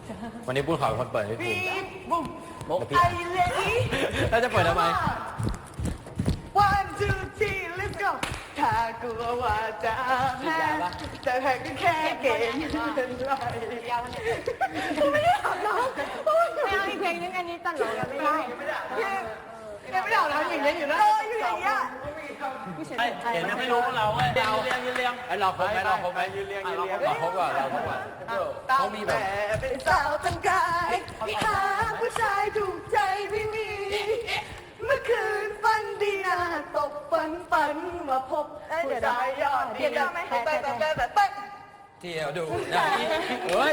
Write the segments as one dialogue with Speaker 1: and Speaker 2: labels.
Speaker 1: วันนี้ปุ้นขอเป็นคนเปิดให้คุณ
Speaker 2: บุ้ม
Speaker 1: ไอ้เล็กแล้วจะเปิดทำไม
Speaker 2: 1 2 3 let's go ถ้ากลัวว่าจะแพ้แต่แพ้ก็แค่เกมเป็นไรไม่ได้อาบน้ำ
Speaker 3: ไม่เอาอีกเพลงนึงอันนี้ตลกกันไม่ได้
Speaker 2: ยังไม่ได้อาบน้ำอย่างนี้อยู่นะอยู่อย่างเงี้ย
Speaker 4: เห็นไม่รู้เราเว้ยเอาเรียงยืนเรียง
Speaker 1: ไอ้เราครบไหมเราครบไหมยืนเรียงเราครบก่อนเราครบก่อนเขามีแบบ
Speaker 2: เป็นสาวตั้งกายหาผู้ชายถูกใจไม่มี เมื่อคืนฝันดีนะตกฝันมาพบผู้ชายยอดเยี่ยมแต่
Speaker 1: เที่ยวดูนะเฮ้ย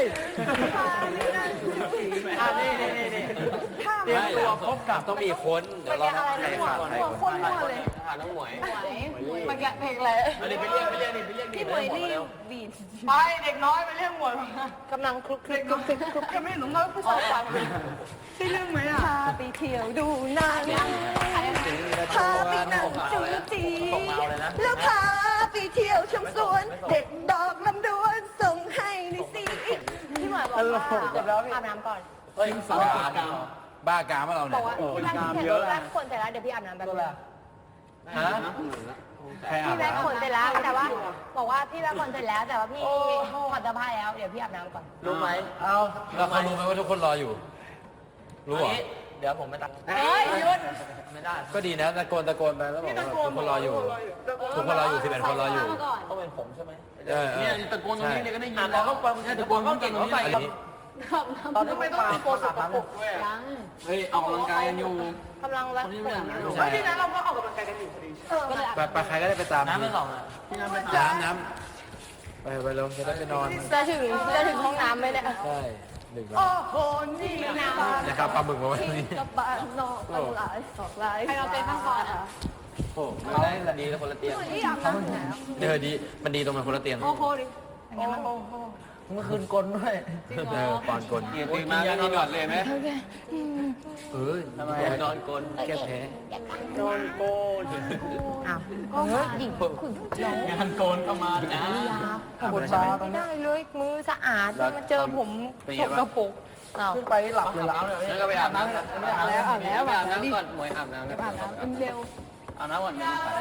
Speaker 4: นี่
Speaker 1: เตรียมตัวพบกับต้องมีคนเดี๋ยวเราใครขาดใครคน
Speaker 3: เลย
Speaker 4: ขาน้องหมวย
Speaker 3: มาแกะเพลงอะไร
Speaker 4: ไปเรียกดิ
Speaker 3: พี่หมวยรีบบีบ
Speaker 2: ไปเด็กน้อยไปเรื่องหมด
Speaker 3: กำลังคลุกคลิก
Speaker 2: ยังไม่หนุ่มน้อยผู้ชายฟังใช่เรื่องไหมอ่ะ
Speaker 3: พาไปเที่ยวดูหนังพาไปนั่งจูจีแล้วพาไปเที่ยวชมสวน เด็ดดอกลำดวนส่งให้ในสิพี่หมวยบอกว่าอาบน้ำก่อน
Speaker 4: เฮ้ยสาวกาม
Speaker 1: บ้ากามเรา
Speaker 3: บ
Speaker 1: เนี่
Speaker 3: อย กว่าพี่แม็กคนเสร็จแล้วเดี๋ยวพี่อาบน้ำแบบนึง
Speaker 1: ฮะใครอาบ
Speaker 3: พี่แม็กคนเสร็จแล้วแต่ว่าบอกว่าพี่แม็กคนเสร็จแล้วแต่ว่าพี่ถอดเสื้อผ้าแล้วเดี๋ยวพี่อาบน้ำก่อน
Speaker 4: รู้ไหม
Speaker 1: เอาแล้วเขารู้ไหมว่าทุกคนรออยู่ รู้เหรอ
Speaker 4: เดี๋ยวผมไปตัด
Speaker 3: เฮ้ยหยุด
Speaker 4: ไม่ได้
Speaker 1: ก็ดีนะตะโกนไปแล้วบอกว่าทุกคนรออยู่ทุกคนรออยู่11คนรออยู่
Speaker 4: ต้องเป็นผมใช่ไหม
Speaker 1: เนี่ย
Speaker 4: ตะโกนตรงนี้เนี่ยก็ได้ยินแล้วก็ฟังตะโกนก็เก่งเขาใส่
Speaker 1: อันนี้
Speaker 4: ตอนนี้ไม่ต้องตะโกนสุดปกด้วย
Speaker 3: ยัง
Speaker 4: เฮ้ยออกกำลังกายกันอยู่
Speaker 3: กำลังรักผม
Speaker 2: เฮ้ยที่นั้นเราก็ออกกำลังกายกันอยู่พอดี
Speaker 3: ก็เลย
Speaker 1: ไปใครก็ได้ไปตาม
Speaker 4: น้ำไม่หลอกอ่ะพี่น้ำไป
Speaker 1: น้ำไปเร็วจะได้ไปนอน
Speaker 3: จะถึงห้องน้ำไหมเนี่ย
Speaker 1: ใช่หนึ่ง
Speaker 2: โอ้โหนี่นะ
Speaker 1: นะครับปลาหมึกมาไว้ตรงนี้
Speaker 3: กับบ้านนอกกันหลายสองหลายใครเราเป็นข้างก่อนอ่ะ
Speaker 1: โอ้
Speaker 4: ไม่ได้ละดีแล้วคนละเตียง
Speaker 3: ที่อาบน้ำไหน
Speaker 1: เดี๋ยวดีมันดีตรงมันคนละเตียง
Speaker 3: โอ้โหดิ
Speaker 4: เมื่อคืนกลนด้วย
Speaker 1: ปอนกล
Speaker 4: ตื่นมาก็นอนก่อนเลยไหม
Speaker 1: ทำไมนอนกลแก้แพ้
Speaker 4: นอนโกน
Speaker 3: อ้าวหญิงคุณน้อง
Speaker 4: งานโกนเข้ามาจ้า
Speaker 3: ปวดตาไม่ได้เลยมือสะอาดมาเจอผมสกปรกอ้าว
Speaker 4: ขึ้นไปหลับเลยหลับแล้วก็ไปอาบน้ำไม่อาบแล้วอาบแล้วอาบน้ำก่อนหมวยอาบน้ำ
Speaker 3: อาบน้ำเร็ว
Speaker 4: อาบน้ำก่อน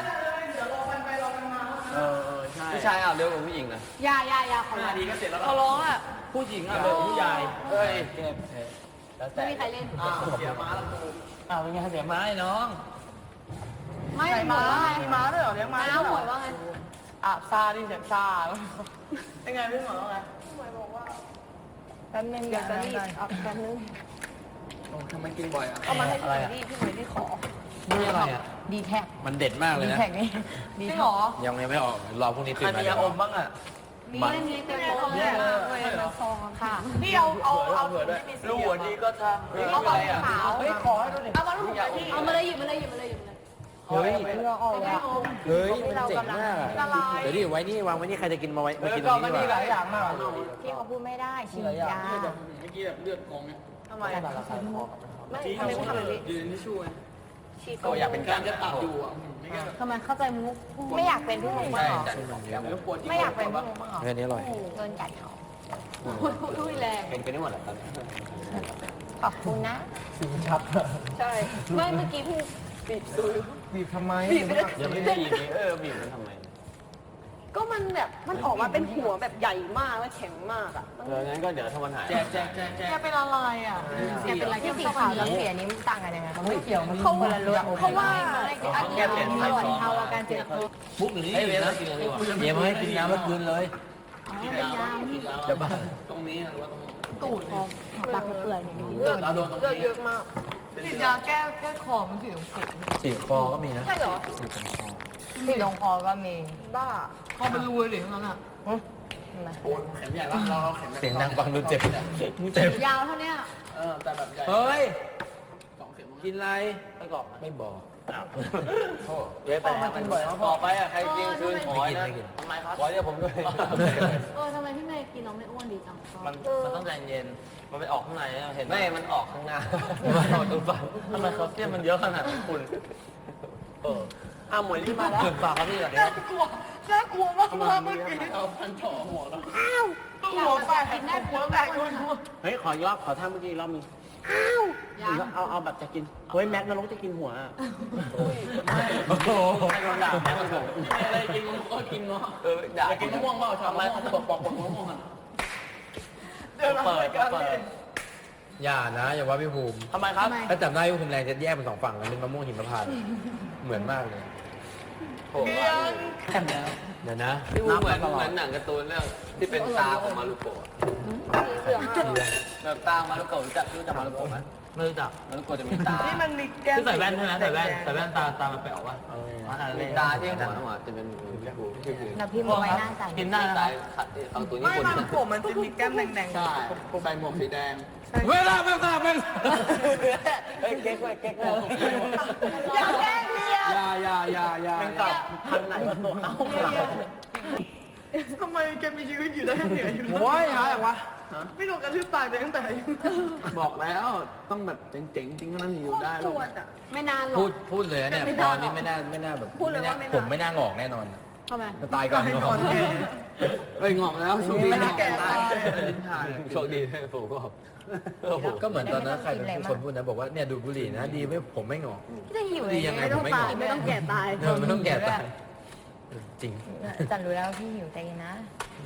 Speaker 4: ใช่ผู้ชายอาบเร็วกว่าผู้หญิงนะ
Speaker 3: ยาขอร้อง
Speaker 4: ดีก็เสร็จแล้ว
Speaker 3: ขอร้องอ่ะ
Speaker 4: ผู้หญิงอาบเร็วกว่าผู้ใหญ่เฮ้ยเก็บแล้ว
Speaker 3: ไม่มีใครเล่น
Speaker 4: เสียม้าแล้วกูเป็นไงเสียม้าไอ้น้อง
Speaker 3: ไม่หมดว่าไง
Speaker 2: มีม้าด้วยเหรอเลี้ยงม้า
Speaker 3: น้าหมดว่าไง
Speaker 2: อาบซาดิเสียงซาเป็นไงพี่หมอว่าไง
Speaker 3: แป๊บนึงเดี๋ยวจะรีบเอาแป๊บนึง
Speaker 4: ทำไมกินบ่อยอ่ะ
Speaker 3: เอามาให้พี่หน่อยดิพี่หน่อยดิขอ
Speaker 1: นี่อะไรอ่ะ
Speaker 3: ดีแท็ก
Speaker 1: มันเด็ดมากเลย
Speaker 3: ดี
Speaker 1: นะ
Speaker 3: แท็กนี่ดีหรอ
Speaker 1: ยังไม่ออกรอพรุ่งนี้
Speaker 4: ใค
Speaker 1: ตื่
Speaker 4: ร
Speaker 1: นมา
Speaker 4: มียาอมบ้างอ่ะ
Speaker 3: มีเต็มโต๊ะเลยเป็นซองค่ะ
Speaker 2: พี่เอา
Speaker 4: เผื่อด้วยลูกหัวดีก็ทำ
Speaker 3: เอา
Speaker 4: อะไร
Speaker 3: ขาว
Speaker 4: เฮ้ยขอให้ดูดิ
Speaker 3: เอามาลูกผมพี่เอามาเลยหยิบมาเลย
Speaker 1: เฮ้ย
Speaker 3: เพื่อออกแล้ว
Speaker 1: เฮ้ยมันเจ๋งมากเดี๋ยวดิไว้นี่วางไว้นี่ใครจะกินมาไว้มากินตรงนี้ดีกว่า
Speaker 3: พี่เขาพูดไม่ได้ฉีดยา
Speaker 4: เมื่อกี้แบบเลือดกองเนี่ย
Speaker 2: ทำไม
Speaker 3: ไม่ทำไมไม่ทำแบบนี้
Speaker 4: ยืนที่ช่วย
Speaker 3: ฉีด
Speaker 4: ก็อยากเป็นการจะตัดอยู่อ่ะ
Speaker 3: ทำไมเข้าใจมุกไม่อยากเป็นพี่มุกบ้างเหรอ
Speaker 4: แล้วปวด
Speaker 3: ไม่อยากเป็นพี่มุกบ้างเหรอ
Speaker 1: เฮ้ยอันนี้อร่อย
Speaker 3: เงินกัดเขาพูดแรง
Speaker 4: เป็นกันได้หมดแหละตอนนี้
Speaker 3: ขอบคุณนะ
Speaker 4: ชัด
Speaker 3: ใช่ไม่เมื่อกี้พี่
Speaker 4: บีบทำไมบีบยังไม่ได้ยินบีบมันทำไม
Speaker 2: ก็มันแบบมันออกมาเป็นหัวแบบใหญ่มากและแข็งมากอ่ะ
Speaker 4: งั้นก็เดี๋ยวถ้ามันหายแจก
Speaker 2: แกเป็นอะไรอ่ะ
Speaker 3: แกเป็นอะไรที่สีขาวกับสีอันนี้มันต่างกันยังไง
Speaker 4: ไม่เกี่ยวมัน
Speaker 3: เขาคนละรสเพราะว่า
Speaker 4: แกเปลี่ยน
Speaker 3: อร่อยเท่ากันเจ็บ
Speaker 4: มุกหรือนี่นะกินอะไรดีกว่า
Speaker 1: เดี๋ยวมาให้กินน้ำเมื่อคืนเลย
Speaker 4: กินแล้วเดี๋ยวบ้าตรงนี้หรือว่าตรงนี้
Speaker 3: ตูดของปากเปื่อยนี่
Speaker 4: เราโดนตรงนี้
Speaker 2: เยอะมากติดยาแก้คอมันถึงสุด
Speaker 1: สีคอก็มีนะ
Speaker 2: ใช่เหรอ
Speaker 3: สีตรงคอก็มี
Speaker 2: บ้าคอเป็นรูเลยทั้งนั้นอ่ะ
Speaker 4: เข็มใหญ่เราเข็ม
Speaker 1: เสียงดังฟังดูเจ็บเจ็บ
Speaker 3: ยาวเท่านี้
Speaker 4: แต่แบบใหญ่
Speaker 1: เฮ้ย
Speaker 4: 2 เข็ม
Speaker 1: กินอะไร
Speaker 4: ไม่กรอบ
Speaker 1: ไม่บอก
Speaker 4: เว้ยไปมันบ่อยต่อไปอ่ะใครกินคืนขอนะทำไมครับขอเรียกผมด้วย
Speaker 3: ทำไมพี่เมย์กินน้องไม่อ้วนดีจัง
Speaker 4: มันต้องใจเย็น มันไปออกข้างในเห็นไหมมันออกข้างหน้ามันออกตรงฝั่งทำไมเขาเสี้ยมันเยอะขนาดนี้คุณหมวยรีบมาแล้วฝากครับพี่ก่อนเดี๋ยว
Speaker 2: น่ากลัวมากเมื่อกี้
Speaker 4: เอาพันจ่อหัวแล้ว
Speaker 3: อ้าว
Speaker 2: หัวแตกหัวแตก
Speaker 4: เฮ้ยขอยอบขอท่าเมื่อกี้รอบนึงเอาแบบจะกินเฮ้ยแม็กนรกจะกินหัวโอ้โหใครโดนด่าแม็กมันบอกอะไรกินก็กินเนาะด่ากินมะม่วงเปล่าชอบอะไรเขาจะบอกมะม่วงอ่ะเปิด
Speaker 1: อย่านะอย่าว่าพี่ภูมิ
Speaker 4: ทำไมครับ
Speaker 1: ถ้าจำได้พี่ภูมิแรงจะแยกเป็น2 ฝั่งกันเป็นมะม่วงหิมพานต์เหมือนมากเลย
Speaker 4: ผมว่าแค่แล้ว
Speaker 1: เดี๋ยวนะ
Speaker 5: พี่วูเหมือนหนังการ์ตูนเรื่องที่เป็นตาของมารุโกะแบบตามารุโกะรู้จักมารุโกะไหม
Speaker 4: ไม่รู้จัก
Speaker 5: มารุโกะจะมีตา
Speaker 2: นี่มันมีแก้ม
Speaker 4: คือใส่แว่นใช่ไหมใส่แว่นตามันไปออกว่า
Speaker 5: มีตาที่หัวจะเป็นพี่ภู
Speaker 3: เราพิมพ์เอาไว้หน้าใส่
Speaker 4: กินได้นะ
Speaker 5: ตายขัดเอาตัวญี่
Speaker 2: ไม่
Speaker 5: ปุ่น
Speaker 2: มันผมมันจะมีแก้มแดงๆ
Speaker 5: ใช่ใส่หมวกสีแดง
Speaker 1: เวลาไม่ทราบไม่
Speaker 4: เฮ้ยเก๊กเลย
Speaker 2: อย่าแกล้งเมีย
Speaker 5: อย่า
Speaker 4: เป็นตับพันไหนมาตัวเขา
Speaker 2: ทำไมแกมีชีวิตอยู่ได้เหนื่อยอยู่
Speaker 4: โอ้ยหาอะไรวะ
Speaker 2: ไม่โดนกระทืบตายไปตั้งแต่อายุ
Speaker 5: บอกแล้วต้องแบบเจ๋งๆจริงนั้นอยู่ได้
Speaker 2: ปวดอ่ะ
Speaker 3: ไม่นานหรอก
Speaker 1: พูดเลยนะเนี่ยตอนนี้ไม่น่าแบบ
Speaker 3: พูดเลยว่าไม่น่า
Speaker 1: ผมไม่น่างอกแน่นอน
Speaker 3: ทำไม
Speaker 1: จะตายก่อน
Speaker 2: ให้
Speaker 1: ง
Speaker 2: ก่
Speaker 1: อ
Speaker 2: อก นแก
Speaker 5: เฮ้ยงอกแล้วโชคดี
Speaker 2: ไม่น่าแก่ตาย
Speaker 5: โชคดีที่ผมก็
Speaker 1: ก็เหมือนตอนนั้นใครเป็นคนพูดนะบอกว่าเนี่ยดูดบุหรี่นะดีไม่ผมไม่งอก
Speaker 3: พี่จะหิว
Speaker 1: ดียังไงผมไม่งอก
Speaker 3: ไม่ต้องแก่ตาย
Speaker 1: ไม่ต้องแก่ตายจริง
Speaker 3: จันรู้แล้วพี่หิวใจเย็นนะ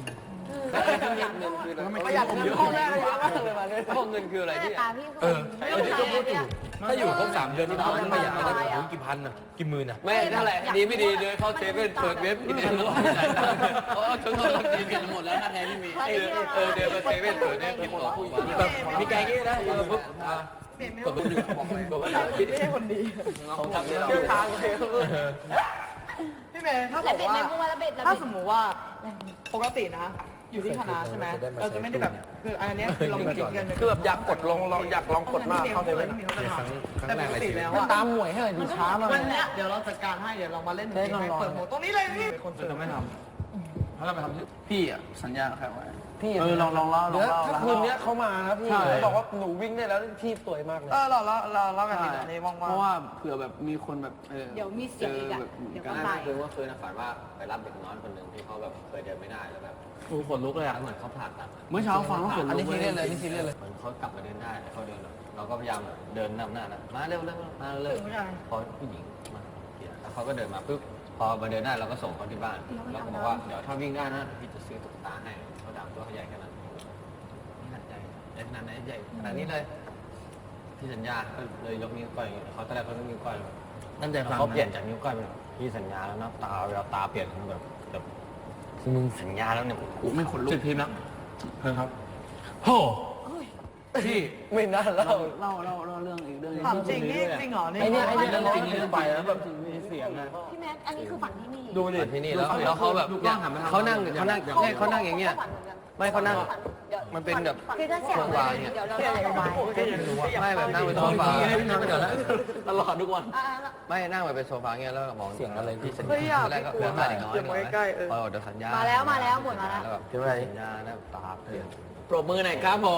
Speaker 5: ประหยัดเงินพ่อแม่เยอะมากเลยมาเนี่ยพ่อเงินคืออะไรที่
Speaker 3: ตาพี่
Speaker 1: เออถ้าอยู่ครบ3 เดือนนี่เขาไม่ประหยัดมาได้ถึงกี่พันอ่ะกี่หมื่นอ่ะ
Speaker 5: ไม่เท่าไหร่ดีไม่ดีเลยเข้าเซเว่นเปิดเว็บกินเองแล้วทั้งหมดเรากินกันหมดแล้วถ้าแท้ไม่มีเดินมาเซเว่นเปิดเว็บกินของผู้หญิง
Speaker 1: แบบมีแกงงี้นะปุ๊บกดปุ๊บอยู่
Speaker 5: บอกว่า
Speaker 2: ไม่ใช่คนดี
Speaker 5: เขาทำให้เรา
Speaker 2: เที่ยวทางเลยพี่เมย์ถ้าบ
Speaker 3: แล้ว
Speaker 2: อก
Speaker 3: เบ็ด
Speaker 2: ว่า
Speaker 3: ในมุ้งแล้วเบ็ดแล้ว
Speaker 2: ถ้า
Speaker 3: เบ็ด
Speaker 2: สมมุติว่าปกตินะ อยู่ที่คณะใช่ไหมเราจะไม่ได้แบบคืออันนี้คือเราไม่คิดกัน
Speaker 4: คือแบบอยากกดลงอยากลองกดมากเข้าใจไหม
Speaker 2: แต่ปกติแล้วอะ
Speaker 4: ตามหวยให้หน่อยดูช้ามาก
Speaker 2: วันเนี้ยเดี๋ยวเราจัดการให้เดี๋ยวเรามาเล่นเกมให้เปิดหัวตรงนี้เลยพี่
Speaker 4: คนจะไม่ทำเขาจะไปทำ
Speaker 5: พี่อ่ะสัญญาใครไว้
Speaker 4: พี่ลองเล่าถ้าคืนนี้เขามานะพี่บอกว่าหนูวิ่งได้แล้วที่สวยมากเลย
Speaker 2: เรากันดีในว่าง
Speaker 5: เพราะว่าเผื่อแบบมีคนแบบ
Speaker 3: เดี๋ยวมีเสียงอีกอะเดี๋ยวก็
Speaker 5: ก็
Speaker 3: ไป
Speaker 5: คือว่าเคยฝันว่าไปรับเด็กน้อยคนหนึ่งที่เขาแบบเคยเดินไม่ได้แล้วแบบ
Speaker 4: โอ้ขนลุกเลยอ่ะ
Speaker 5: เหมือนเขาผ่าตัดเมื่อเช้าฟังว่าขนลุก
Speaker 4: อันนี้ซีเรียสเลยนี่ซีเรียสเลย
Speaker 5: เหมือนเขากลับมาเดินได้แต่เขาเดินเราก็พยายามเดินนำหน้านะมาเร็วมาเร็วพอผู้หญิงมาแล้วเขาก็เดินมาปุ๊บพอมาเดินได้เราก็ส่งเขาที่บ้านเราก็บอกว่าเดี๋ยวถ้าวิ่งได้นะพี่จะซื้อตุ๊กตาให้เขาดำตัวเขาใหญ่ขนาดนี้นี่หนักใจเล็กขนาดไหนใหญ่ขนาดนี้เลยที่สัญญาก็เลยยกนิ้วก้อยเขาตอนแรกเขายกนิ้วก้อย
Speaker 4: ตั้งใจฟัง
Speaker 5: เขาเปลี่ยนจากนิ้วก้อยเป็นพี่สัญญาแล้วนะตาเวลาตาเปลี่ยนแบบมึงสัญญาแล้วเนี่ยกูไม่ขนลุก
Speaker 4: จุดพิมพ์แล้วเพิ่งครับโห
Speaker 5: พี่ไม่น่าเล่าเรื่องอีกเรื่อง
Speaker 2: ถามจริงนี่จริงเหรอนี่
Speaker 4: ไอ้นี่เรื่องจริงเรื่องไปแล้วแบบเสียงนะ
Speaker 3: พี่แม็กอันนี้คือฝันที่นี่
Speaker 4: ดูดิ
Speaker 5: ที่นี่แล้วเขาแบบเขานั่งอย่างเงี้ยไม่เขานั่งมันเป็นแบบ
Speaker 3: คือถ้าเสียงเดี๋ยวเราจะไว้
Speaker 5: ไม่แบบนั่งบนโซฟา
Speaker 1: นั่งไปก่อนแล้ว
Speaker 5: ตลอดทุกวันไม่นั่งแบบเป็นโซฟาเงี้ยแล้วมอง
Speaker 1: เสียงอะไรพี่สัญ
Speaker 2: เฮ้ยอยาก
Speaker 5: แรกก็เรื่องอะไรน้อยพอเดี๋ยวสัญญา
Speaker 3: มาแล้วหมดมาแล้ว
Speaker 5: แล้วแบบสัญญาแล้วตาเปลี่ยน
Speaker 4: ปรบมือหน่อยครับผม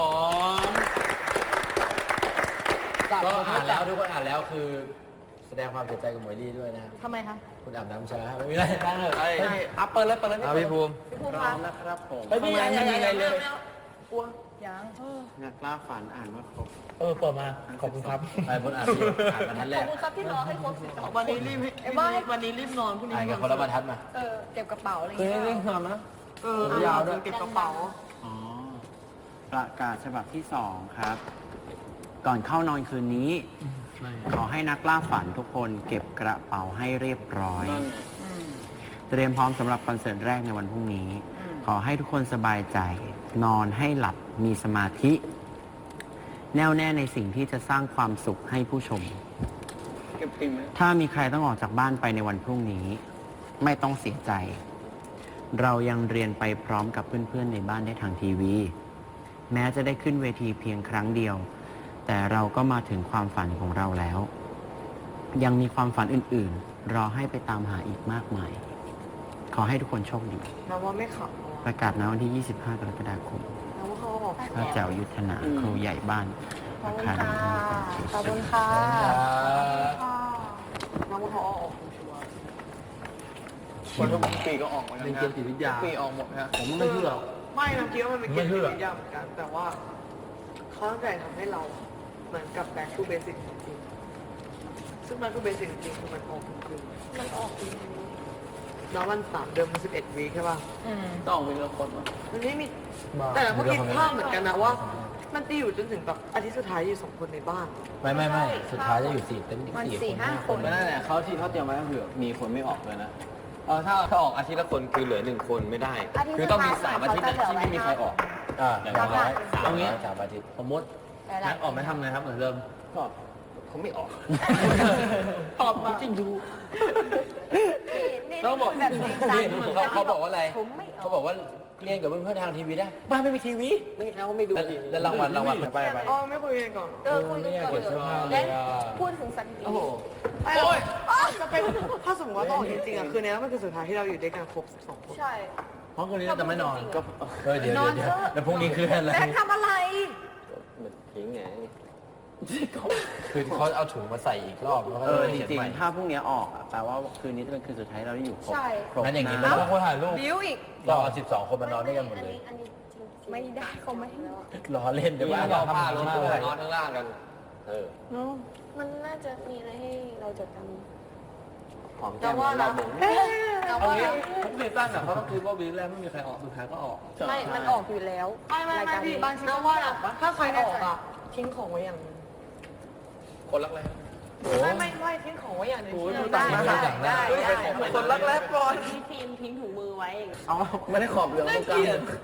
Speaker 1: ก็อ่านแล้วทุกคนอ่านแล้วคือแสดงความเสียใจกับหมวยลี่ด้วยนะ
Speaker 3: ทำไมคะ
Speaker 1: คุณอาบน้ำช้าไม่มีอะไร
Speaker 4: อัพเปิดเลย
Speaker 5: พี่ภูมิ
Speaker 3: พี่ภูมิ
Speaker 5: พร้
Speaker 3: คะ
Speaker 5: อมนะครับผม
Speaker 4: ไม่มีอะไรเลย
Speaker 3: ยัง
Speaker 5: นักล่าฝันอ่านว่าครบ
Speaker 4: เปิดมาขอบคุณครับ
Speaker 1: ไปบนอ่านบรรทัดแร
Speaker 3: ขอบ
Speaker 1: ก
Speaker 3: คุณครับที่รอให้ครบ12
Speaker 2: วันนี้รีบวันนี้รีบนอนพรุ่งนี้
Speaker 1: อ่านกับคนละบรรทัดมา
Speaker 3: เก็บกระเป๋าอะไรอย่าง
Speaker 4: คือ
Speaker 3: เงี้ย
Speaker 4: เรื่องนอนนะ
Speaker 2: ยาวด้วยเก็บกระเป๋า
Speaker 5: อ๋อประกาศฉบับที่2ครับ ก่อนเข้านอนคืนนี้ ขอให้นักล่าฝันทุกคนเก็บกระเป๋าให้เรียบร้อย เตรียมพร้อมสำหรับคอนเสิร์ตแรกในวันพรุ่งนี้ ขอให้ทุกคนสบายใจ นอนให้หลับมีสมาธิ แน่วแน่ในสิ่งที่จะสร้างความสุขให้ผู้ชม ถ้ามีใครต้องออกจากบ้านไปในวันพรุ่งนี้ ไม่ต้องเสียใจ เรายังเรียนไปพร้อมกับเพื่อนๆในบ้านได้ทางทีวี แม้จะได้ขึ้นเวทีเพียงครั้งเดียว แต่เราก็มาถึงความฝันของเราแล้ว ยังมีความฝันอื่นๆ รอให้ไปตามหาอีกมากมาย ขอให้ทุกคนโชคดี
Speaker 2: นะว่าไม่ขับ
Speaker 5: ประกาศณวันที่ 25 กรกฎาคม
Speaker 2: นะว่าเขาออก
Speaker 5: พระเจ้ายุทธนาครูใหญ่บ้าน
Speaker 3: ขอบ
Speaker 5: อา
Speaker 3: คุณ
Speaker 5: คาร
Speaker 3: ค่ะ
Speaker 5: มีความสุข
Speaker 3: ขอบคุณค่ะ
Speaker 2: นะว่าเขาออก
Speaker 5: คนทุกปีก็ออกเหมือนกัน
Speaker 4: เรียนเกมจิตวิทยา
Speaker 5: ปีออกหมดนะ
Speaker 4: ผมไม่เชื่อ
Speaker 2: ไม่นะคิดว่ามันเป็นเกมที่ยากเหมือนกันแต่ว่าเขาตั้งใจทำให้เราเหมือนกับ back to basic จริงๆซึ่ง back to basic จริงๆคือมันออกทุกคืนมันออกจริงๆแล้ววัน3 เดือนมัน11 วีคใช่ป่ะ
Speaker 4: ต้องมีละคนมั้ง
Speaker 2: มันไม่มีแต่เราก็คิดภาพเหมือนกันนะว่า มันจะอยู่จนถึงแบบอาทิตย์สุดท้ายอยู่2 คนในบ้าน
Speaker 1: ไม่สุดท้ายจะอยู่4 เต็ม
Speaker 3: มัน
Speaker 1: 4
Speaker 3: สี่ห้า
Speaker 1: 5
Speaker 3: ค
Speaker 1: คน น
Speaker 4: ไม่นั่นแหละเขาที่เขาเตรียมไว้ก็คือมีคนไม่ออกเลยนะถ้าออกอาทิตย์ละคนคือเหลือ1 คนไม่ได้ คือต้องมี3 อาทิตย์ที่ไม่มีใครออก
Speaker 1: อย่างน้อย3 อาทิตย์
Speaker 4: สมมติแม็กออกไม่ทำไงครับเหมือนเดิมก็เขาไม่ออก
Speaker 2: ตอบมาจริงดู
Speaker 4: ต้องบอก
Speaker 3: แบบนี้
Speaker 1: เขาบอกว่าอะไร
Speaker 3: ผมไม่อ
Speaker 1: เขา
Speaker 3: อก
Speaker 1: บอกว่าเรียนกับเพื่อนๆทางทีวีได้บ้านไม่มีทีวี
Speaker 4: ไม่เขาไม่ดู
Speaker 1: แล้วรางวัลไป
Speaker 2: อ๋อไม่คุยกันก่อน
Speaker 3: คุยกันก่อนเลยพูดถึงสถิติ
Speaker 4: โอ้โห
Speaker 2: โอ้ยจะเป็นถ้าสมมติว่าต้องออกจริงๆอ่ะคืนนี้มันคือสุดท้ายที่เราอยู่ด้วยกันครบ12 คน
Speaker 3: ใช่
Speaker 4: เพราะคนนี้จะไม่นอนก็
Speaker 1: เดี๋ยวแล้วพรุ่งนี้คืออะไร
Speaker 3: แม็กทำอะไร
Speaker 4: เหมือนทิ้งไง
Speaker 1: คือเขาเอาถุงมาใส่อีกรอบแล้วก็
Speaker 5: จริงๆถ้าพรุ่งนี้ออกแปลว่าคืนนี้จะเป็นคืนสุดท้ายเราได้อยู่ครบ
Speaker 3: ใช่
Speaker 5: ครบ
Speaker 1: งั้นอย่างนี้
Speaker 5: ะ
Speaker 1: ไม่ต้องถ่ายรูป
Speaker 3: บิวอีก
Speaker 1: เราเอา12 คนมานอนด้วยกันหมดเลย
Speaker 3: อันนี้ไม่ได้เขาไม่ให้
Speaker 1: ล้อเล่นเดี๋ยวว่า
Speaker 4: เรา
Speaker 1: เรา
Speaker 4: ผ้า
Speaker 1: ทำ
Speaker 4: ลง
Speaker 1: มาก
Speaker 4: ตัว
Speaker 1: เลย
Speaker 4: นอนข้างล่างกัน
Speaker 3: มันน่าจะมีอะไรให้เราจดจ
Speaker 4: หอมแก้มเราบ่ง
Speaker 3: ำแต่ว่า
Speaker 4: ทุกซีซั่นอ่ะเขาต้องคิดว่าวีคแรกไม่มีใครออกสุดท้ายก็ออก
Speaker 3: ไม่มันออกอยู่แล้ว
Speaker 2: ไม่พี่บางทีว่าถ้าใครออกอ่ะทิ้งของไว้อย่างนึง
Speaker 4: คนรักแร้
Speaker 2: ไม่ทิ้งของไว้อย่างนึง
Speaker 3: ได้
Speaker 2: คนรักแร้ปลอย
Speaker 3: พี่ทีมทิ้งถุงมือไว้
Speaker 4: เอาไม่ได้ขอบเหลืองตรงกลาง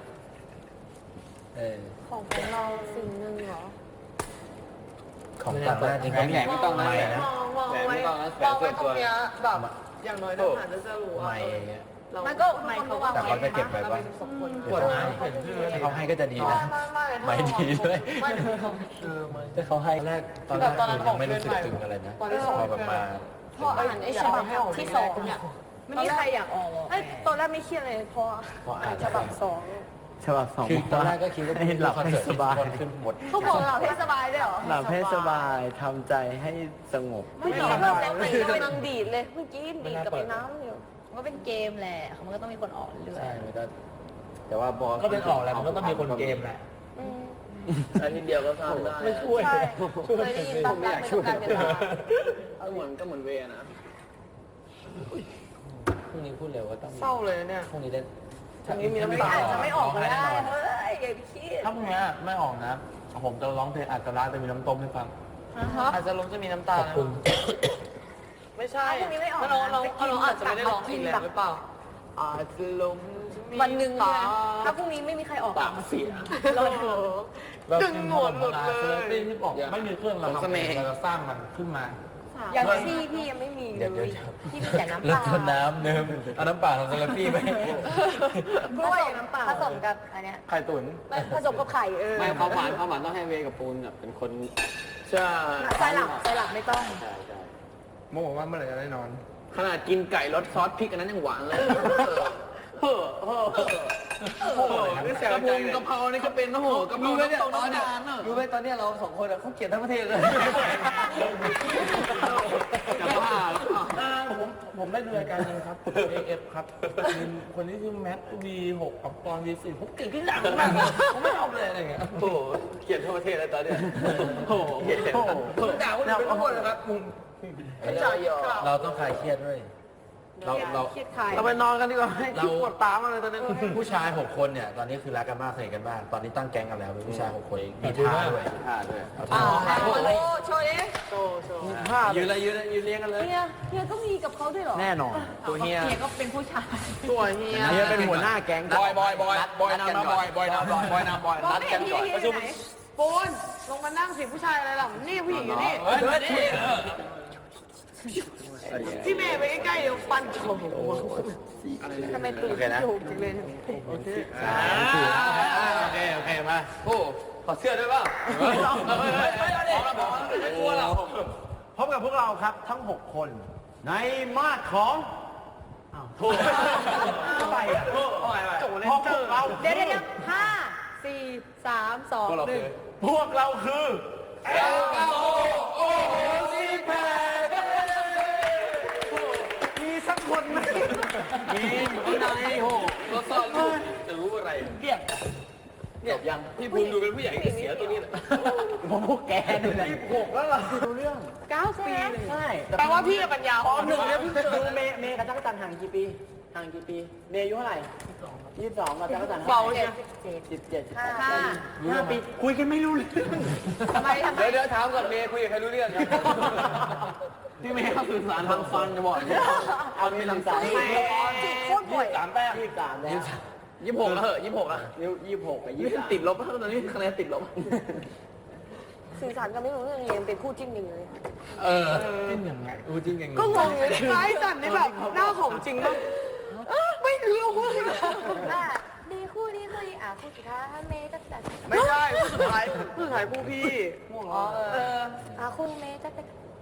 Speaker 3: ของเราสิ่งหนึ่งเหรอ
Speaker 1: ของต่างประเทศจริงเขามี
Speaker 4: ไม่ต้องนะ
Speaker 1: ไม่นะ
Speaker 2: วางไว้ตรงเนี้ยแบบอย่างน้อยทหารจะรู้ว่า
Speaker 1: ไม่อย่างเงี้ย
Speaker 3: มันก็ไม่เขาวาง
Speaker 1: แต่
Speaker 3: ไว้
Speaker 1: เขาจะเก็บไว้ว่า
Speaker 2: ปวดนะเห็นชื่อ
Speaker 1: ถ้าเขาให้ก็จะดีนะไม่ดีด้วย
Speaker 2: ไม่
Speaker 1: ถ้าเขาให้ตอนแรกยังไม่รู้สึกตึงอะไรนะพอแบบมา
Speaker 3: พออ่านไอ้ฉบับที่สองเนี่ยไม่มีใครอยากออกไอ้ตอนแรกไม่เครียดเลยพออ่านฉบับ2
Speaker 5: ฉบับ2
Speaker 1: คือตอนแรกก็คิดว่า
Speaker 5: ให้หลับ
Speaker 1: คอน
Speaker 5: ให้
Speaker 1: เสิร์ต
Speaker 5: สบาย
Speaker 1: คนขึ้นหมด
Speaker 3: เขาบอกหลับให้สบายด้วยเหรอ
Speaker 5: หลับให้สบายทำใจให้สงบ
Speaker 3: ไม่หลับแล้วมันกำลังดีดเลยเมื่อกี้ดีดกับไอ้น้ำอยู่มันก็เป็นเกมแหละมันก็ต้องมีคนออกเรื่อย
Speaker 1: ใช่มันก็แต่ว่าบอล
Speaker 4: ก็เป็นออกแหละมันก็ต้องมีคนเกมแหละ อันนี้เดียวก็ทำได้
Speaker 1: ไม่ช่วย
Speaker 3: ใช่เคยได้ยินตามไม่ต้องการเวลา
Speaker 4: ก็เหมือนเวนะ
Speaker 1: พรุ่งนี้พูดเร็วว่าต้อง
Speaker 2: เศร้าเลยเนี่ย
Speaker 1: พรุ่งนี้ได้
Speaker 2: พรุ่งนี้มีน้ำ
Speaker 3: ไม่
Speaker 2: ตา
Speaker 3: อาจจะไม่ออกก็ได้เฮ้ยอย่าไปคิด
Speaker 4: ถ้าพรุ่งนี้ไม่ออกนะ ผมจะร้องเพลงอาจจะร้าจะมีน้ำต้มให้ฟัง
Speaker 2: อาจจะลงจะมีน้ำตา
Speaker 1: ขอบคุณ
Speaker 2: ไม่ใช่
Speaker 3: พรุ่งนี้ไม่ออก
Speaker 2: เราอาจจะไม่ได้ร้องเพลงแล้วหรือเปล่าอาจจะลง
Speaker 3: วันหนึ่งนะถ้าพรุ่งนี้ไม่มีใครออก
Speaker 4: ปากเสีย
Speaker 3: เรา
Speaker 2: ดึงหมดเลย
Speaker 4: ที่บอกไม่มีเครื่องเราทำเองเราจะสร้างมันขึ้นมา
Speaker 3: อย่างซี่พี่ยังไม่มีเลยพี่มีแต่น้ำ
Speaker 1: แล้
Speaker 3: เป
Speaker 1: ว
Speaker 3: ล่า
Speaker 1: ก็น้ำเนิมเอาน้ำเปล่าทำซาลาปี้ไหม
Speaker 3: กล้วยน้ำเปล่าผสมกับอันเนี้ย
Speaker 4: ไข่ตุ๋น
Speaker 3: ผสมกับไข่
Speaker 4: ไม่เขาหวานต้องให้เวกับปูนแบบเป็นคนใช่
Speaker 3: ไส้หลับไม่ต้อง
Speaker 4: ใช่ใช่
Speaker 6: โมบอกว่าเมื่อไหร่จะได้นอน
Speaker 4: ขนาดกินไก่รสซอสพริกอันนั้นยังหวานเลยกระเพรานี่ก็เป็นโอ้โหกระเพราเนี่ยตอนนี้รู้ไหมตอนนี้เรา2 คนเขาเกลียดทั้งประเทศเลยจะบ้าผมได้ดูรายการนึงครับ AF ครับมีคนที่ชื่อแม็ก V6 กับปอน V4 ผมเก่งขึ้นอย่างมากผมไม่ชอบเลยอะไรเงี้ยโอ้โหเกลียดทั้งประเทศเลยตอนเนี้ยโอ้โหเกลียดผมด่าคนอื่นเป็นทุกคนเลยครับ
Speaker 1: เราต้องคลายเครียดด้วยเรา
Speaker 3: คิดไข่
Speaker 2: เราไปนอนกันดีกว่าให้คิดปวดตามากเลยตอนนี้
Speaker 1: ผู้ชาย6 คนเนี่ยตอนนี้คือรักกันมากสนิทกันมากตอนนี้ตั้งแก๊งกันแล้วเป็นผู้ชาย6 คนมีท่าด้วย
Speaker 4: ท่าด้วย
Speaker 1: เอาท่า
Speaker 3: โชว์ดิ
Speaker 1: ยืนเลยยืนเลี้ยงกันเลย
Speaker 3: เฮียก็มีกับเขาด้วยเหรอ
Speaker 5: แน่นอน
Speaker 2: ตัวเฮีย
Speaker 3: เฮียก็เป็นผู้ชาย
Speaker 2: ตัวเฮีย
Speaker 5: เฮียเป็นหัวหน้าแก๊ง
Speaker 4: บอยนำบอยนัดกันก่อนประชุม
Speaker 2: ปูนลงมานั่งสิผู้ชายอะไรหล่ะนี่ผู้หญิงอยู่นี่
Speaker 4: นี่
Speaker 2: พี่เมย์ไปใกล้ๆเดี๋ยวฟันโฉมหัว
Speaker 3: ทำไมตื่น
Speaker 1: โอเคนะ
Speaker 2: ถูกจริงเลย
Speaker 1: โอเค
Speaker 4: โอเคมาโอ้ขอเสื้อด้วยป่ะไม่กลัวหรอก
Speaker 5: พบกับพวกเราครับทั้ง 6 คนในมาดของโทษอะไรอ่ะ
Speaker 2: โจเล
Speaker 5: พ
Speaker 2: น
Speaker 5: วก
Speaker 2: เจอร์
Speaker 5: เรา
Speaker 3: เดี๋ยว5 4 3 2 1
Speaker 5: พวกเราคือมีสักคนไหมมี
Speaker 4: โห
Speaker 1: เราซ่อนลูกจะรู้อะไร
Speaker 4: เกลียด
Speaker 1: เนี่ยยังพี่ภูมิดูเป็นผู้ใหญ่ที่เสียตัวนี้แหละ
Speaker 5: ผมพวกแกนี่แหละ
Speaker 4: 26แล้วเหรอดูเรื่อง
Speaker 2: 9 ปีเลย
Speaker 5: ใช่
Speaker 2: แปลว่าพี่ปัญญาอ่อน
Speaker 4: หนึ่งเนี่ยเพิ่งเจอ
Speaker 5: ดูเมย์กับจักรจันทร์ห่างกี่ปีห่างกี่ปีเมย์อายุเท่าไหร่22กับจักรจันทร์
Speaker 2: เบาใช่
Speaker 5: 17
Speaker 2: 5
Speaker 5: 5 ปีคุยกันไม่รู้เรื่อง
Speaker 2: ทำไม
Speaker 1: เดี๋ยวถามก่อนเมย์คุยกับใครรู้เรื่องครับ
Speaker 5: พี่เมย์เขาสื่อสารทางฟันจะบอกเอามีทางสาย
Speaker 2: จีบโคตรบ่อย
Speaker 4: 3แต้ม
Speaker 5: 23แล้ว
Speaker 1: 26แล้วเหอะ26อ่ะ
Speaker 5: นิ้ว26กับ
Speaker 1: นี่ติดลบแล้วตอนนี้คะแนนติดลบ
Speaker 2: สื่อสารกันไม่รู้เรื่องเลยยังเป็นคู่จิ้นอยู่เลย
Speaker 1: จริงยังไงจริงยังไง
Speaker 2: ก็งงเลยไอ้จันนี่แบบหน้าของจริงมากไม่รู้เลย
Speaker 3: ดีคู่ดีคู่ดีคู่สุดท้ายเมย์จะจัด
Speaker 2: ไม่ใช่คู่สุดท้ายคู่พี่
Speaker 3: คู่เมย์จะเป็น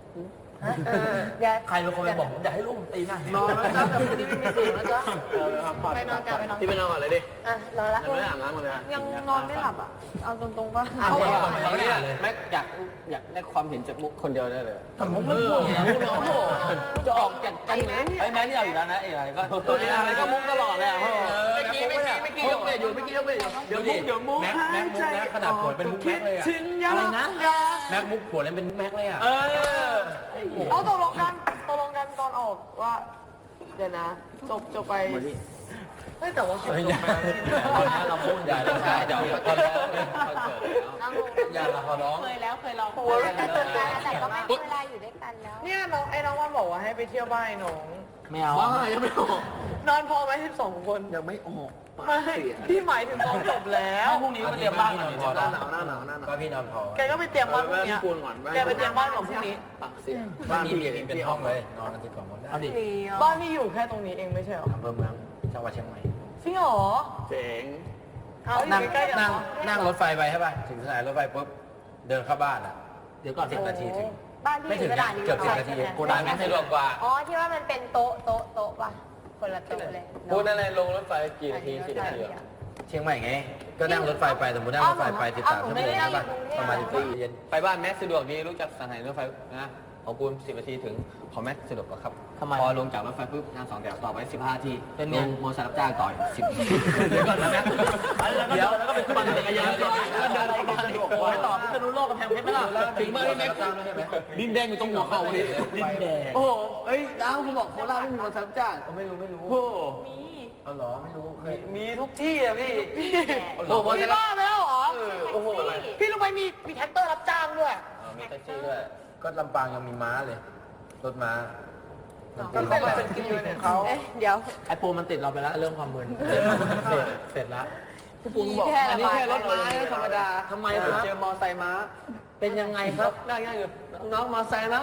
Speaker 1: ใครเป็นคนไปบอกผมอยากให้ลูกผมตีหน้าน
Speaker 2: อนแล้วจ้าแต่วันนี้ไม่มีเสียงแล้วจ้า
Speaker 3: ไปนอนกันไปนอน
Speaker 1: ที่ไปนอนก่อนเลยดิ
Speaker 3: รอละ
Speaker 1: ยังไม่ได้อาบน้ำเลย
Speaker 2: ยังนอนไม่หลับอ่ะเอาตรงๆว่า
Speaker 1: เอาเนี่ย
Speaker 5: แม็กอยากได้ความเห็นจากมุกคนเดียวได้เลย
Speaker 1: ผมไม่พูดไง
Speaker 5: จะออกจากกันไหมไอ้แม็กนี่เอาอยู่แล้วนะอะไรก็
Speaker 1: ตัวนี้อะไรก็มุกตลอดเลย
Speaker 5: เมื่
Speaker 1: เมื่อกี้ยกเลยอยู่เมื่อกี้ยกเลยอยู่เดี๋ยวมุกแม็กมุกนะขนาดผลเป็นมุกแม็กเลยอะ
Speaker 5: อะไรนะ
Speaker 1: แม็กมุกผลเป็นมุกแม็กเลยอ่ะ
Speaker 2: เอาตกลงกันตอนออกว่าเดี๋ยวนะจบไปไม่แต่ว่า
Speaker 1: เราพูดใหญ่แล้วใช่เดี๋ยวตอนแล้วอย่าละขอร้อง
Speaker 3: เคยลองแต่ก็ไม่เวลาอยู่ด้วยกันแล้ว
Speaker 2: เนี่ยน้องวันบอกว่าให้ไปเที่ยวบ้านน้อง
Speaker 5: ไม่เอา
Speaker 1: ยังไม่ออก
Speaker 2: นอนพอไหม12 คน
Speaker 1: ยังไม่ออก
Speaker 2: ไม่พี่หมายถึงตอนจบแล้ว
Speaker 5: พรุ่งนี้ก็เตรียมบ้านหน่อย
Speaker 1: หน้าหนาวก็พี่นอนพอ
Speaker 2: แกก็ไปเตรียมบ้านพรุ่งนี้แกไปเตรียมบ้านของพรุ่งนี้
Speaker 1: บ้านพี่เป็นห้องเลยนอนกันที่2 คนได้เอาดิ
Speaker 2: บ้านพี่อยู่แค่ตรงนี้เองไม่ใช่เหรอ
Speaker 1: อำเภอเมืองจังหวัดเชียงใหม่
Speaker 2: จริงเหรอ
Speaker 1: เจ๋ง
Speaker 2: เอาอยู่ใกล้ๆกัน
Speaker 1: นั่งรถไฟไปใช่ป่ะถึงสถานีรถไฟปุ๊บเดินเข้าบ้านอ่ะเดี๋ยวก่อน10 นาทีถึง
Speaker 3: บ้านพี่
Speaker 1: ไม่ถึง
Speaker 3: กระดาษ
Speaker 1: เกือบ10 นาทีกูได้ไม่สะดวกกว่า
Speaker 3: อ๋อที่ว่ามันเป็นโต๊ะป่ะคนละโต๊ะเลย
Speaker 1: พูดอะไรลงรถไฟกี่นาที10 นาทีเชียงใหม่ไงก็นั่งรถไฟไปสมมตินั่งรถไฟไป13 ชั่วโมงนะป่ะประมาณ14 เย็นไปบ้านแม็กสะดวกดีรู้จักสถานีรถไฟนะของปูน10 นาทีถึงของแม็กสะดวกกว่าครับพอลงจากรถไฟปุ๊บนั่ง2 แถวต่อไป15 นาทีเป็นลงโมซารับจ้างต่อ10 เดี๋ยวก่อนนะแม็กเดี๋ยวแล้วก็เป็นปั่นจักรยานต่อแล้วเดินไปสะดวกกว่าต่อพิษณุโลกกับแพงเพชรไหมล่ะถึงเมื่อที่แม็กดินแดงอยู่ตรงหัวเข่าดิดินแดง
Speaker 5: โอ้โหเอ้ยดาวคุณบอกโคราชไม่มีคนซับจ้าง
Speaker 1: ไม่รู้
Speaker 5: โอ้
Speaker 1: เอาเหรอไม่รู้เคย
Speaker 4: มีทุกที่อะพี่
Speaker 1: โอ้โห
Speaker 2: พี่บ้าไปแล้วเหรอ
Speaker 1: โอ้โห
Speaker 2: พี่รู้ไหมมีแท็กเตอร์รับจ้างด้วย
Speaker 1: มีแท็กซี่ด้วยก็ลำปางยังมีม้าเลยรถม้า
Speaker 2: ก็เป็นรถเป็นกิโลเนี่ยเขา
Speaker 3: เดี๋ยว
Speaker 1: ไอปูมันติดเราไปแล้วเรื่องความมึนเสร็จแล้ว
Speaker 2: พี่ปูบอกอันนี้แค่รถม้าธรรมดา
Speaker 1: ทำไมครับ
Speaker 5: เจอมอไซค์ม้า
Speaker 1: เป็นยังไงครับ
Speaker 5: นั่งง่ายอยู่น้องมอไซค์ม้า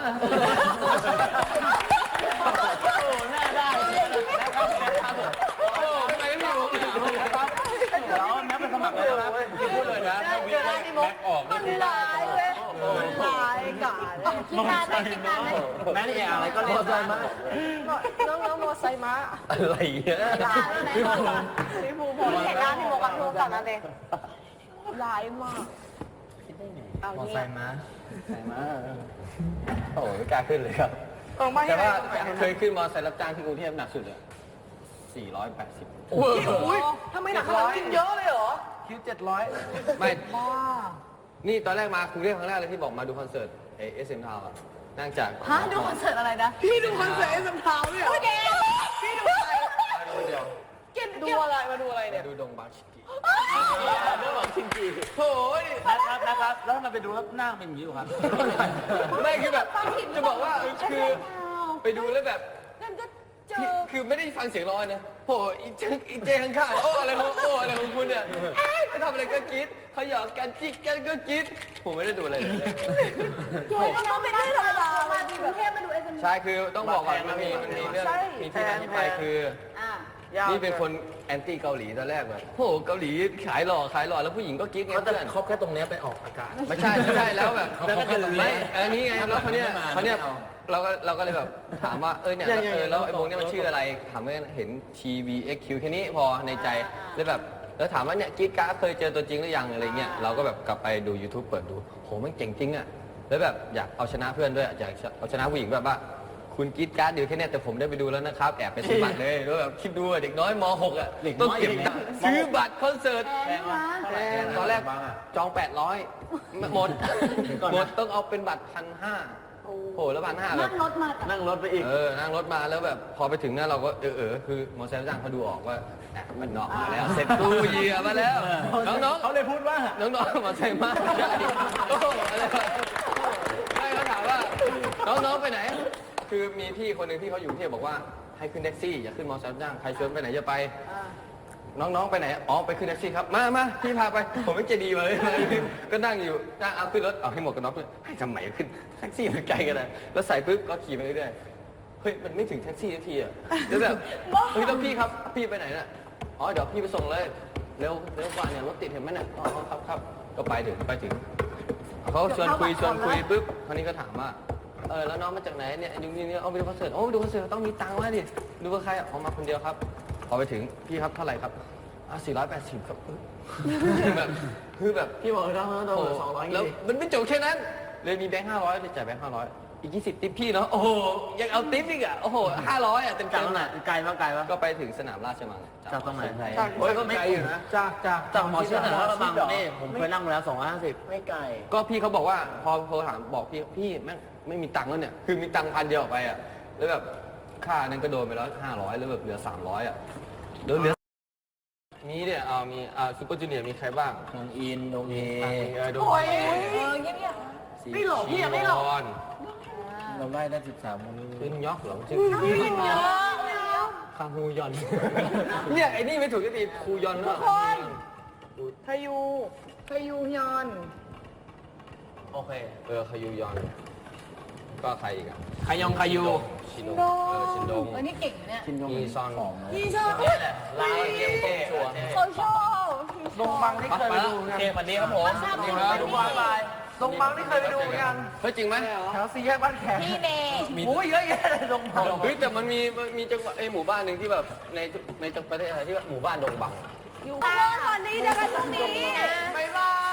Speaker 4: หน้าได้นะครับโอ้ทำไมไม่มีผมนะครับเราแม็กเป็นสมัครเลยนะพี่พูดเลยนะถ้าวีแม็กออก
Speaker 2: มันร้ายเว้ยมันร้ายกาด
Speaker 3: คิดนานไหม
Speaker 5: แม่นี่อะไรก็เล่นได้มาก
Speaker 2: น้องมอไซค์ม้า
Speaker 1: อะไรเงี้ย
Speaker 3: ร้ายไหม
Speaker 2: พี่ปูพอ
Speaker 3: เห็นหน้าพี่โมกับพี่โมกับนั่นเอง
Speaker 2: ร้ายมาก
Speaker 1: มอไซค์ม้าโอ้ไม่กล้าขึ้นเลยครับ
Speaker 2: ไม่
Speaker 1: แต่
Speaker 2: ให้
Speaker 1: ว่าเคยขึ้นมอไซค์รับจ้างที่กรุงเทพหนักสุดเลย480
Speaker 2: โอ้ยทำไมหนักขนาดนี้เยอะเลยเหรอ
Speaker 1: คิว700ไม่
Speaker 2: บ้า
Speaker 1: นี่ตอนแรกมากรุงเทพครั้งแรกเลยที่บอกมาดูคอนเสิร์ตSM Town อ่ะนั่งจาก
Speaker 3: ฮะดูคอนเสิร์ตอะไรนะ
Speaker 2: พี่ดูคอนเสิร์ตเอ็มทาวน์ด้วยเหรอพี่ดูอะไร
Speaker 1: เดียว
Speaker 2: ดูอะไรมาดูอะไรเนี่ย
Speaker 1: ดูดงบาชิกิ
Speaker 5: เรื่องของชินจี
Speaker 1: โอ้ย
Speaker 5: นะครับแล้วทำไมไปดูแล้วหน้าเป็นอย่างนี้อยู่ครับ
Speaker 1: ไม่คือแบบจะบอกว่าคือไปดูแล้วแบบ
Speaker 3: นั่นก็เจอ
Speaker 1: คือไม่ได้ฟังเสียงร้องนะโหอีเจข้างๆโอ้อะไรของคุณเนี่ยไปทำอะไรก็กรี๊ดเขาหยอกกันจิกกันก็กรี๊ดผมไม่ได้ดูอะไรเลย
Speaker 3: โอ้ยเราไม่ได้ธรรมดามาที่กรุงเทพมาดูเอสเอ็ม
Speaker 1: ใช่คือต้องบอกก่อนมันมีเรื่องมีที่มาที่ไปคือ นี่เป็นคนแอนตี้เกาหลีตอนแรกแบบโหเกาหลีขายหล่อแล้วผู้หญิงก็กิ๊กไงเพื่อนเขาแค่ตรงนี้ไปออกอากาศไม่ใช่แล้วแบบไม่อันนี้ไงแล้วเขาเนี่ยเราก็เลยแบบถามว่าเนี่ยแล้วไอ้วงเนี่ยมันชื่ออะไรถามว่าเห็น TVXQ แค่นี้พอในใจแล้วแบบแล้วถามว่าเนี่ยกิ๊กก้าเคยเจอตัวจริงหรือยังอะไรเงี้ยเราก็แบบกลับไปดู YouTube เปิดดูโหมันเจ๋งจริงอ่ะแล้วแบบอยากเอาชนะเพื่อนด้วยอยากเอาชนะผู้หญิงแบบว่าคุณกรีดการ์ดอยู่แค่เนี้ยแต่ผมได้ไปดูแล้วนะครับ แอบไปซื้อบัตรเลยแล้วแบบคิดดูอะเด็กน้อยม .6 อ่ะต้องเก็บตังค์ซื้อบัตรคอนเสิร์ต
Speaker 4: แพงวะ
Speaker 1: ตอนแรกจอง 800 หมดหมดต้องเอาเป็นบัตร 1,500 โอ้โหแล้ว1,500แบบ
Speaker 4: นั่งรถไปอีก
Speaker 1: นั่งรถมาแล้วแบบพอไปถึงเนี่ยเราก็คือมอเตอร์ไซค์จ้างเขาดูออกว่ามันเนาะมาแล้วเสร็จตู้เหยียบมาแล้วน้องๆ
Speaker 4: เขาเลยพูดว่า
Speaker 1: น้องๆมอเตอร์ไซค์มากใช่โอ้โหอะไรวะใช่เขาถามว่าน้องๆไปไหน คือมีพี่คนหนึ่งที่เขาอยู่กรุงเทพบอกว่าให้ขึ้นแท็กซี่อย่าขึ้นมอเตอร์ไซค์จ้างใครชวนไปไหนจะไป น้องๆไปไหนอ๋อไปขึ้นแท็กซี่ครับมาพี่พาไปผมไม่ใจดีเลยก็นั่งอยู่เอาขึ้นรถเอาให้หมดกันน็อกเลยให้ทำไมขึ้นแท็กซี่มันไกลกันเลยแล้วใส่ปุ๊บก็ขี่ไปเรื่อยๆเฮ้ยมันไม่ถึงแท็กซี่สักทีอ่ะแล้วแบบเฮ้ยแล้วพี่ครับพี่ไปไหนน่ะอ๋อเดี๋ยวพี่ไปส่งเลยเร็วกว่าเนี่ยรถติดเห็นไหมเนี่ยอ๋อครับก็ไปถึงเขาชวนคุยปุ๊บคราวนี้ก็ถามว่าแล้วน้องมาจากไหนเนี่ยยุงนี่เอาไปดูคอนเสิร์ตโอ้ไปดูคอนเสิร์ตต้องมีตังค์มาดิดูกับใครอ๋อมาคนเดียวครับพอไปถึงพี่ครับเท่าไหร่ครับ480 ครับแบบคือแบบ
Speaker 4: พี่บอกเราโดน200
Speaker 1: แล้วมันไม่จบแค่นั้นเลยมีแบงค์500เลยจ่ายแบงค์500อีก20ติ๊บพี่เนาะโอ้โหยังเอาติ๊บอีกอ่ะโอ้โห500อ่ะเต็ม
Speaker 4: จากตรงไหนไกลปะ
Speaker 1: ก็ไปถึงสนามราชมัง
Speaker 4: จากตรงไหน
Speaker 1: โอ้ยก็ไกลอยู่นะ
Speaker 4: จากหมอชิดนะบางนี่ผมเคยนั่งมาแล้ว250ไม่ไกล
Speaker 1: ก็พี่เขาบอกว่าพอถามบอกพี่แม่งไม่มีตังค์แล้วเนี่ยคือมีตังค์1,000 เดียวออกไปอ่ะแล้วแบบค่านั้นก็โดนไปแล้ว500แล้วแบบเหลือ300อ่ะเหลือมีเนี่ยมีซูเปอร์จูเนียร์มีใครบ้าง
Speaker 4: น้องอินโดเอ
Speaker 1: โด
Speaker 2: โอ้ย
Speaker 3: เงียบ
Speaker 2: ไม่หลอกพี่อะไม่หลอก
Speaker 4: เราไล่ได้13คน
Speaker 1: ขึ้นยอกเหรอชื่อ
Speaker 2: เยอะ
Speaker 1: คาฮูยอน เนี่ยไอ้นี่ไม่ถูกทีคูยอน
Speaker 2: ทุกคนพายุยอน
Speaker 1: โอเคคายูยอน ก็ใครอีกอ่ะ
Speaker 4: ขยงขยู
Speaker 1: ชินดงชินดง
Speaker 3: เออนี่เก่งนะเนี่ย
Speaker 4: ชินยง
Speaker 1: มีซอน
Speaker 2: พี่ชอบ
Speaker 1: ลาวเกียงโตชัว
Speaker 2: เขาชอบ
Speaker 4: ลงบังที่เคยไปดูโอเควันนี้ครับผมไปดูบอลไป
Speaker 2: ลงบังที่เคยไปดูเหมือนกัน
Speaker 1: เฮ้ยจริงไหม
Speaker 2: แถวสี่แยกบ้านแขก
Speaker 3: พี่เน
Speaker 2: โอ้ยเยอะแยะเลยลงบัง
Speaker 1: เฮ้ยแต่มันมีจังหวัดหมู่บ้านหนึ่งที่แบบในประเทศไทยที่ว่าหมู่บ้านดงบัง
Speaker 3: อยู่ข้างนอกก่อนดีเดี๋ยวกันตรงนี้
Speaker 2: บ๊ายบาย